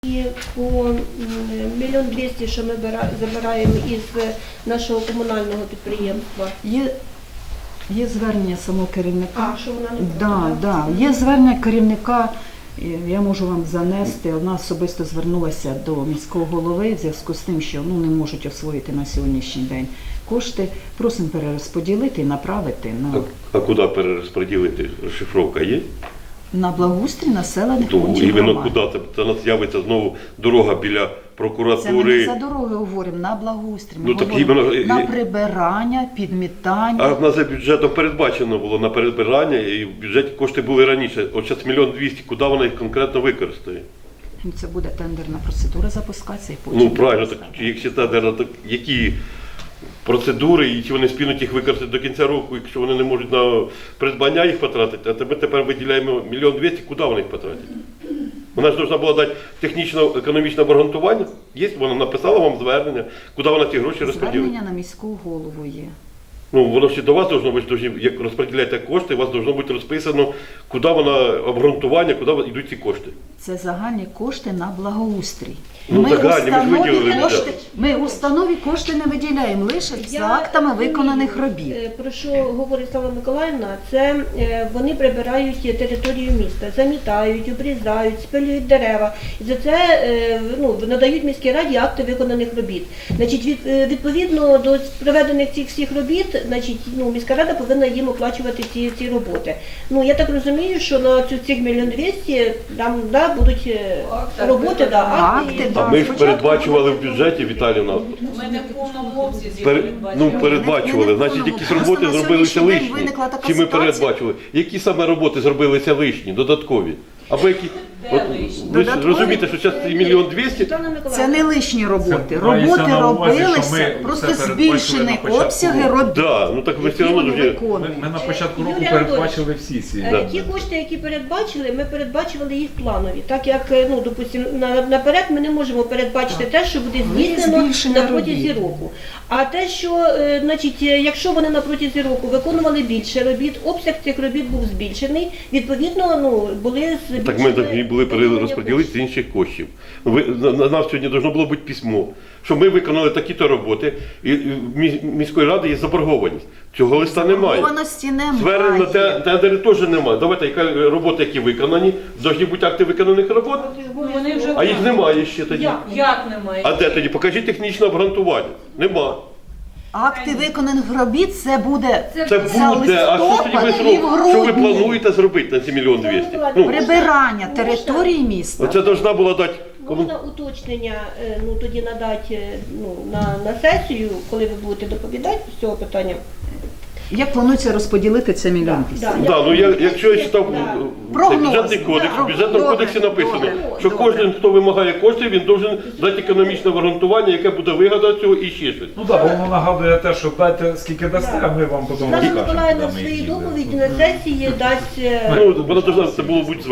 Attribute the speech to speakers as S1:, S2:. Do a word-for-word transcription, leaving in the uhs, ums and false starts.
S1: І по мільйон двісті, що ми забираємо із нашого комунального підприємства.
S2: Є, є звернення самого керівника.
S1: А, що вона не
S2: да, да. Є звернення керівника, я можу вам занести. Вона особисто звернулася до міського голови в зв'язку з тим, що ну, не можуть освоїти на сьогоднішній день кошти. Просимо перерозподілити і направити на,
S3: А, а куди перерозподілити? Розшифровка є?
S2: на благоустрій населених
S3: То
S2: пунктів
S3: іменно
S2: громад.
S3: куди? Це, це нас з'явиться знову дорога біля
S2: Це ми
S3: прокуратури.
S2: не за дороги говоримо, на благоустрій. Ми
S3: Ну, так
S2: говоримо
S3: іменно-
S2: на прибирання, підмітання.
S3: А в нас за бюджетом передбачено було на перебирання, і в бюджеті кошти були раніше. От зараз мільйон двісті, куди вона їх конкретно використає?
S2: Це буде тендерна процедура запускатися і потім.
S3: Ну правильно, так
S2: запускати.
S3: якщо та держава, так які процедури і чи вони спільнуть їх використати до кінця року, якщо вони не можуть на придбання їх потратити, а ми тепер виділяємо мільйон двісті, куди вони їх потратять? Вона ж повинна була дати технічно-економічне обґрунтування. Є, вона написала вам звернення, куди вона ці гроші розподілить.
S2: Звернення на міську голову є.
S3: Ну, воно ще до вас должно бути, должні, як розподіляєте кошти, у вас должно бути розписано, куди вона обґрунтування, куди йдуть ці кошти.
S2: Це загальні кошти на благоустрій.
S3: Ну, загальні, ми ж
S2: установі
S3: виділили
S2: кошти,
S3: бюджет.
S2: ми установі кошти не виділяємо, лише за
S1: Я
S2: актами
S1: розумію,
S2: виконаних робіт.
S1: е, Про що говорить Слава Миколаївна, це е, вони прибирають територію міста, замітають, обрізають, спилюють дерева. І за це е, ну, надають міській раді акти виконаних робіт. Значить, від, е, відповідно до проведених цих всіх робіт, значить, ну, міська рада повинна їм оплачувати ці, ці роботи. Ну, я так розумію, що на цю цих мільйон двісті там да, будуть е, роботи, да, акти.
S2: Акти,
S1: і-
S2: да.
S3: А ми ж
S2: спочатку
S3: передбачували в
S2: буде-
S3: бюджеті, Віталіївна,
S4: Ми не в повному обсязі
S3: Пер,
S4: передбачили.
S3: ну, передбачували,
S2: Не в
S3: значить,
S2: повному.
S3: якісь
S2: Просто
S3: роботи
S2: на
S3: зробилися
S2: сьогоднішній день
S3: лишні.
S2: виникла така
S3: Чи ми
S2: ситуація.
S3: передбачували? Які саме роботи зробилися лишні, додаткові? Або які? От,
S4: лишні?
S3: ви ж
S2: Додаткові?
S3: розумієте, що зараз цей мільйон двісті,
S1: Світлана
S2: Це
S1: Миколаївна,
S2: не лишні роботи.
S5: Це мається
S2: Роботи
S5: на увазі, що
S2: робилися,
S5: ми
S2: просто
S5: все передбачили
S2: збільшені
S5: на початку
S2: обсяги
S5: року.
S2: робіт.
S3: да, ну так ви все
S2: які
S3: одно
S2: вони
S3: вже...
S5: Ми,
S2: виконують.
S5: ми на початку
S1: Юрій
S5: року
S1: Анатолійович,
S5: передбачили всі ці.
S1: Е,
S3: Да.
S1: Ті кошти, які передбачили, ми передбачили їх планові. Так як, е, ну, допустим, на, наперед ми не можемо передбачити те, що буде
S2: Вони
S1: здійснено
S2: збільшення
S1: на протязі
S2: робіт.
S1: року. А те, що, е, значить, е, якщо вони на протязі року виконували більше робіт, обсяг цих робіт був збільшений, відповідно, ну, були збільшені...
S3: Так ми так і були
S1: виділення
S3: перерозподілити з
S1: коштів.
S3: інших коштів. Ви, на, на нас сьогодні повинно було бути письмо, що ми виконали такі-то роботи, і, і в міс- міської ради є заборгованість. Цього листа немає.
S2: Заборгованості
S3: Звернень на те-
S2: немає.
S3: тендери теж немає. Давайте, яка роботи, які виконані, повинні бути акти виконаних робот,
S4: Вони вже
S3: а їх немає ще тоді.
S1: Як?
S4: Як немає?
S3: А де тоді? Покажіть технічне обґрунтування. Нема.
S2: Акти виконаних робіт це буде
S3: Це
S2: за
S3: буде, а що тоді ви
S2: листопад і в
S3: зробите? Що ви
S2: грудні.
S3: плануєте зробити на ці мільйон двісті? Ну,
S2: Прибирання території міста.
S3: оце повинна була дати. кому-
S1: Можна уточнення е, ну, тоді надати е, ну, на, на сесію, коли ви будете доповідати з цього питання.
S2: Як планується розподілити це мільйон
S1: Да,
S2: двісті?
S1: да.
S3: Да, ну я, якщо я читав
S1: Да.
S3: е, цей
S2: Прогноз.
S3: бюджетний кодекс,
S2: Да.
S3: в бюджетному
S2: Добре,
S3: кодексі написано,
S2: добре,
S3: що
S2: добре.
S3: кожен, хто вимагає коштів, він должен дати економічне обґрунтування, яке буде вигода цього і ще щось.
S5: Ну так, воно нагадує те, що дайте скільки дасте, а ми вам потім
S1: Світлана
S5: розкажемо.
S1: Миколаївна
S5: куди
S1: в
S5: ми
S1: своїй
S5: їх
S1: доповіді
S5: ділимо.
S1: на сесії дасть... е,
S3: Ну, вона должна це було бути